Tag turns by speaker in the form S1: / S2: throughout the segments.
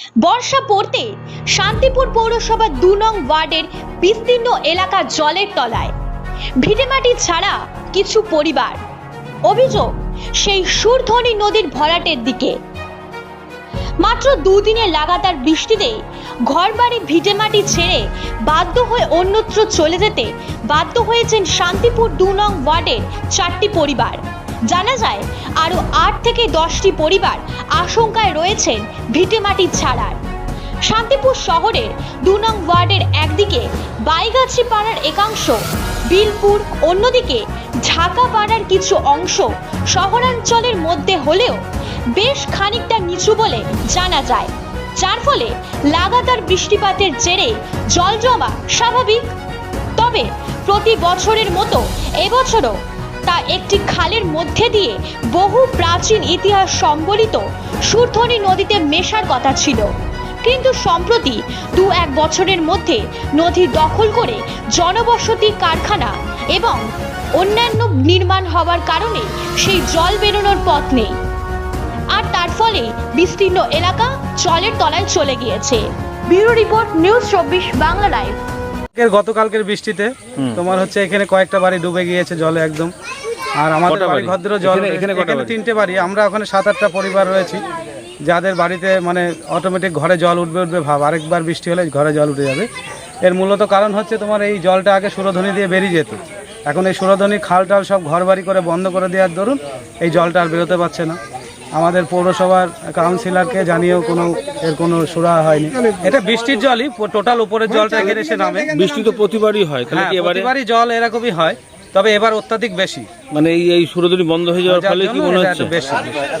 S1: বর্ষা পড়তে শান্তিপুর পৌরসভার ২ নং ওয়ার্ডের বিস্তীর্ণ এলাকা জলের তলায়। ভিটেমাটি ছাড়া কিছু পরিবার। অভিযোগ সেই সুরধনী নদীর ভরাটের দিকে। মাত্র ২ দিনের লাগাতার বৃষ্টিতে ঘরবাড়ি ভিটেমাটি ছেড়ে বাধ্য হয়ে অন্যত্র চলে যেতে বাধ্য হয়েছেন শান্তিপুর ২ নং ওয়ার্ডের ৪টি পরিবার। জানা যায় আরও ৮ থেকে ১০টি পরিবার আশঙ্কায় রয়েছেন ভিটেমাটি ছাড়ার। শান্তিপুর শহরের ২ নং ওয়ার্ডের একদিকে বাইগাছি পাড়ার একাংশ, বিলপুর, অন্যদিকে ঢাকা পাড়ার কিছু অংশ শহরাঞ্চলের মধ্যে হলেও বেশ খানিকটা নিচু বলে জানা যায়, যার ফলে লাগাতার বৃষ্টিপাতের জেরে জল জমা স্বাভাবিক। তবে প্রতি বছরের মতো এবছরও তা একটি খালের মধ্যে দিয়ে বহু প্রাচীন ইতিহাস সম্বলিত সুরধনী নদীতে মেশার কথা ছিল, কিন্তু সম্প্রতি ২-১ বছরের মধ্যে নদী দখল করে জনবসতি, কারখানা এবং অন্যান্য নির্মাণ হওয়ার কারণে সেই জল বেরোনোর পথ নেই, আর তার ফলে বিস্তীর্ণ এলাকা জলের তলায় চলে গিয়েছে। Bureau report, news ২৪ Bangla live.
S2: গতকালকের বৃষ্টিতে তোমার হচ্ছে এখানে কয়েকটা বাড়ি ডুবে গিয়েছে জলে একদম। আর আমাদের বাড়ি ভদ্র জল, এখানে 3টে বাড়ি। আমরা ওখানে 7-8টা পরিবার রয়েছি যাদের বাড়িতে মানে অটোমেটিক ঘরে জল উঠবে ভাব, আরেকবার বৃষ্টি হলে ঘরে জল উঠে যাবে। এর মূলত কারণ হচ্ছে তোমার এই জলটা আগে সুরধনী দিয়ে বেরিয়ে যেত, এখন এই সুরধনী খাল টাল সব ঘর বাড়ি করে বন্ধ করে দেওয়ার দরুন এই জলটা আর বেরোতে পারছে না। আমাদের পৌরসভার কাউন্সিলরকে জানিয়েও কোনো সুরা হয়নি। এটা বৃষ্টির জলই, টোটাল উপরের জলটা এখানে এসে নামে।
S3: বৃষ্টি তো প্রতিবারই হয়, তাহলে কি
S2: এবারই জল এরকমই হয়, তবে এবার অত্যাধিক বেশি।
S3: মানে এই সুরধনী বন্ধ হয়ে যাওয়ার ফলে কি মনে হচ্ছে
S2: বেশি?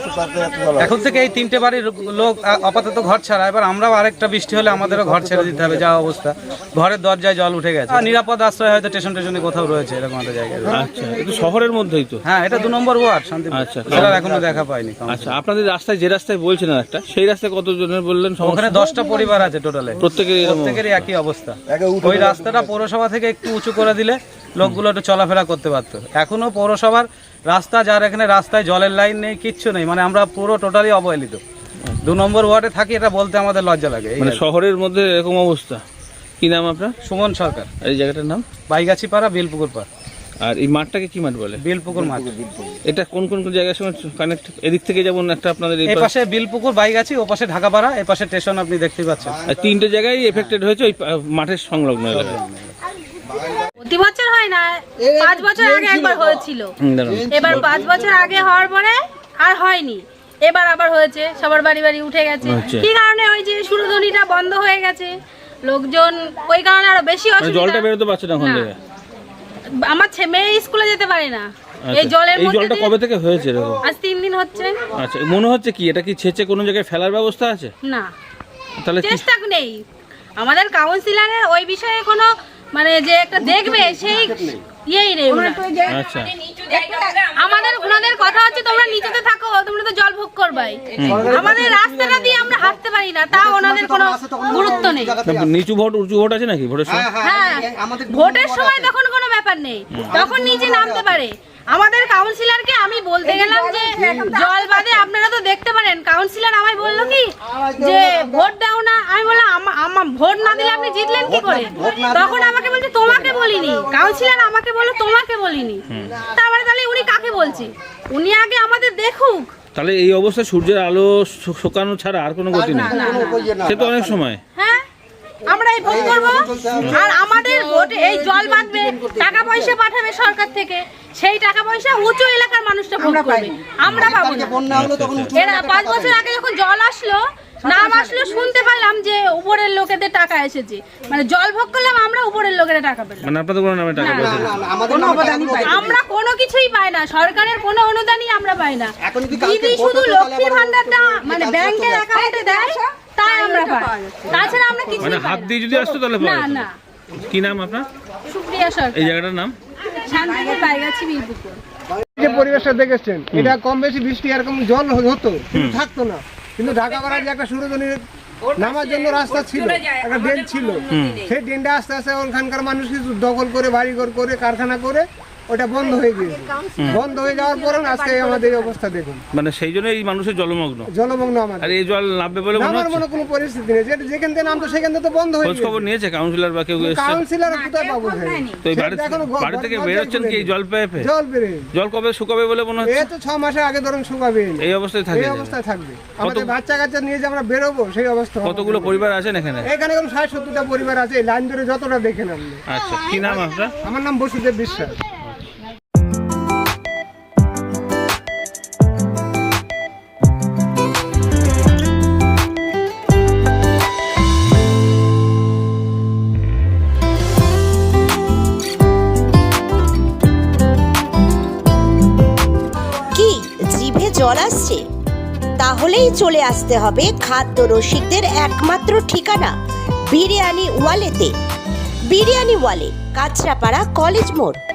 S2: এখন থেকে এই 3টে বাড়ির লোক আপাতত ঘর ছাড়া, এবার আমরাও আরেকটা বৃষ্টি হলে আমাদেরও ঘর ছেড়ে দিতে হবে, যা অবস্থা। ঘরের দরজায় জল উঠে গেছে। নিরাপদ আশ্রয় হয়তো স্টেশনে কোথাও রয়েছে এরকম একটা জায়গায়।
S3: আচ্ছা, এটা শহরের মধ্যেই তো?
S2: হ্যাঁ, এটা 2 নম্বর ওয়ার্ড শান্তিপুর।
S3: আচ্ছা,
S2: সেটা এখনো দেখা পাইনি।
S3: আচ্ছা, আপনাদের রাস্তায় যে রাস্তায় বলছেন একটা, সেই রাস্তায় কতজনের বললেন?
S2: ওখানে 10টা পরিবার আছে টোটালে, প্রত্যেকেরই একই অবস্থা। ওই রাস্তাটা পৌরসভা থেকে একটু উঁচু করে দিলে লোকগুলো একটু চলাফেরা করতে পারতো। এখনো পৌরসভার রাস্তা, যার এখানে রাস্তায় জলের লাইন নেই, কিচ্ছু নেই, মানে আমরা পুরো টোটালি অবহেলিত। 2 নম্বর ওয়ার্ডে থাকি, এটা বলতে আমাদের লজ্জা লাগে।
S3: মানে শহরের মধ্যে এরকম অবস্থা। কি নাম আপনার?
S2: সুমন সরকার।
S3: এই জায়গাটার নাম?
S2: বাইগাছি পাড়া, বিলপুকুর পাড়।
S3: আর এই মাঠটাকে কি মাঠ বলে?
S2: বিলপুকুর মাঠ।
S3: এটা কোন কোন জায়গার সঙ্গে কানেক্ট? এদিক থেকে যেমন একটা আপনাদের
S2: এই পাশে বিলপুকুর, বাইগাছি, ও পাশে ঢাকা পাড়া, এই পাশে স্টেশন আপনি দেখতে পাচ্ছেন।
S3: আর 3টে জায়গায় এফেক্টেড হয়েছে ওই মাঠের সংলগ্ন এলাকায়।
S4: প্রতি বছর হয় না, 5 বছর আগে একবার হয়েছিল, এবার 5 বছর আগে হওয়ার পরে আর হয়নি, এবার আবার হয়েছে, সবার বাড়ি বাড়ি উঠে গেছে। কি কারণে? ওই যে সুরধনীটা বন্ধ হয়ে গেছে, লোকজন ওই কারণে আরো বেশি অসুবিধা।
S3: জলটা বেরোতে পারছে না ওখান থেকে।
S4: আমার মেয়ে স্কুলে যেতে পারে না এই জলের মধ্যে।
S3: এই জলটা কবে থেকে হয়েছে এরকম?
S4: আজ 3 দিন হচ্ছে।
S3: আচ্ছা, মনে হচ্ছে কি এটা কি ছেঁচে কোনো জায়গায় ফেলার ব্যবস্থা আছে?
S4: না,
S3: তাহলে
S4: চেষ্টা নেই আমাদের কাউন্সিলরের ওই বিষয়ে কোনো, মানে যে একটা দেখবে সেই ইয়েই নেই।
S3: আচ্ছা,
S4: আমাদের ওনাদের কথা হচ্ছে তোমরা নিচেতে থাকো, তোমরা তো জল ভোগ করবাই, আমাদের রাস্তাটা দিয়ে আমরা হাঁটতে পারি না, তা ওনাদের কোনো গুরুত্ব নেই।
S3: নিচু ভোট উঁচু ভোট আছে নাকি ভোটের সময়?
S4: হ্যাঁ, ভোটের সময় তখন কোনো ব্যাপার নেই, তখন নিচে নামতে পারে। আমাদের কাউন্সিলরকে আমি বলতে গেলাম যে জল বাদে আপনারা তো দেখতে পারেন, কাউন্সিলর আমায় বললো কি যে ভোট দাও না। আমি বললাম আমার ভোট না দিলে আপনি জিতলেন কি করে? তখন আমাকে বলছে তোমাকে বলিনি, কাউন্সিলর আমাকে বললো তোমাকে বলিনি। তারপরে তাহলে উনি কাকে বলছে? উনি আগে আমাদের দেখুক।
S3: তাহলে এই অবস্থায় সূর্যের আলো শোকানো ছাড়া আর কোনো গতি নেই, সে তো অনেক সময়।
S4: হ্যাঁ, আমরা এই ভোট করবো, আর আমাদের ভোট এই জল বাঁধবে, টাকা পয়সা পাঠাবে সরকার থেকে, সেই টাকা পয়সা উঁচু এলাকার মানুষটা ভোগ করবে, আমরা পাবো না। এরা 5 বছর আগে যখন জল আসলো, নাম আসলো, শুনতে পারলাম যে উপরের লোকেদের টাকা এসেছে, মানে জল ভোগ করলাম আমরা, উপরের লোকেরা টাকা পেলাম।
S3: মানে আপনাদের কোনো নামে টাকা পয়সা
S4: আমরা কোনো কিছুই পাই না, সরকারের কোনো অনুদানই আমরা পাই না। দিদি শুধু লক্ষ্মী ভান্ডারটা মানে ব্যাংকের অ্যাকাউন্টে দেয়, তাই আমরা পাই, তাছাড়া আমরা কিছু
S3: মানে হাত দিয়ে যদি আসতো তাহলে
S4: না। না,
S3: কি নাম আপনার?
S4: সুপ্রিয়া সরকার।
S3: এই জায়গাটার নাম?
S4: শান্তিপুর, বাইগাছি, বিলপুকুর।
S5: যে পরিবেশটা দেখেছেন, এটা কম বেশি বৃষ্টি এরকম জল হতো, কিন্তু থাকতো না। কিন্তু ঢাকা করার যে একটা সুরধনীর নামার জন্য রাস্তা ছিল, একটা ড্রেন ছিল, সেই ড্রেনটা আস্তে আস্তে ওখানকার মানুষ কিছু দখল করে, বাড়িঘর করে, কারখানা করে ওটা বন্ধ হয়ে গিয়েছে। বন্ধ হয়ে যাওয়ার পরে আজকে আমাদের এই অবস্থা দেখুন।
S3: মানে সেই জন্য এই মানুষের জলমগ্ন
S5: আমাদের।
S3: আর এই জল নামবে বলে মনে
S5: আমার
S3: হচ্ছে?
S5: মনে কোনো পরিস্থিতি নেই, যেখান থেকে নামতো সেখান থেকে তো বন্ধ হয়ে
S3: খোঁজ খবর নিয়েছে কাউন্সিলর বা কেউ এসেছে?
S5: কাউন্সিলর কোথায় পাবো ভাই?
S3: তো এই বাড়ি থেকে বেরোচ্ছেন কি এই জল পেয়ে পেয়ে?
S5: জল বেড়ে
S3: জল কবে শুকাবে বলে মনে হচ্ছে?
S5: এই তো 6 মাসের আগে ধরুন শুকাবে,
S3: এই অবস্থায় থাকে
S5: এই অবস্থায় থাকবে। আমাদের বাচ্চা কাচ্চা নিয়ে যে আমরা বেরোবো সেই অবস্থা হবে।
S3: কতগুলো পরিবার আছেন এখানে?
S5: এখানে কোন 60-70টা পরিবার আছে, এই লাইন ধরে যতটা দেখেন আপনি।
S3: আচ্ছা, কি নাম আপনার?
S5: আমার নাম বসুদেব বিশ্বাস।
S6: কি জিভে জল আসছে? তাহলেই চলে আসতে হবে খাদ্য রসিকদের একমাত্র ঠিকানা বিরিয়ানি ওয়ালেতে। বিরিয়ানি ওয়ালে, কাঁচরাপাড়া, কলেজ মোড়।